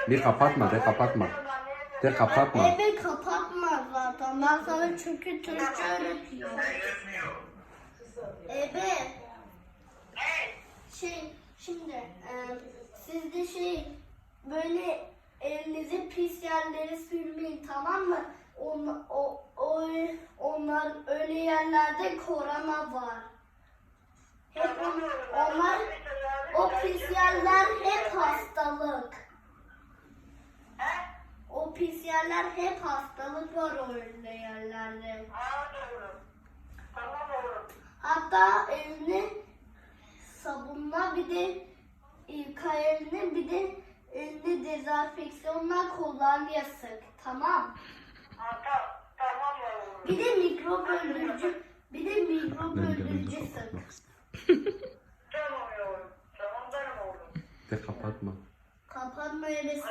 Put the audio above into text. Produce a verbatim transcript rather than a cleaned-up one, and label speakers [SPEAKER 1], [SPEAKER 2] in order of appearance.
[SPEAKER 1] Bir kapatma de kapatma. De kapatma.
[SPEAKER 2] Evet kapatma zaten. Ben sana çünkü Türkçe öğretiyorum. Evet. Şey şimdi e, siz de şey böyle elinizi pis yerlere sürmeyin, tamam mı? On, o, o, onlar öyle yerlerde korona var. Hep on, onlar o pis yerler hep hastalık. O pis yerler hep hastalık var öyle yerlerde. Hatta evini sabunla bir de yıka elini, bir de elini dezenfeksiyonla kolonya sık, tamam? Bir de mikrop öldürücü, bir de mikrop öldürücü sık.
[SPEAKER 1] De kapatma.
[SPEAKER 2] Kapatma, evet.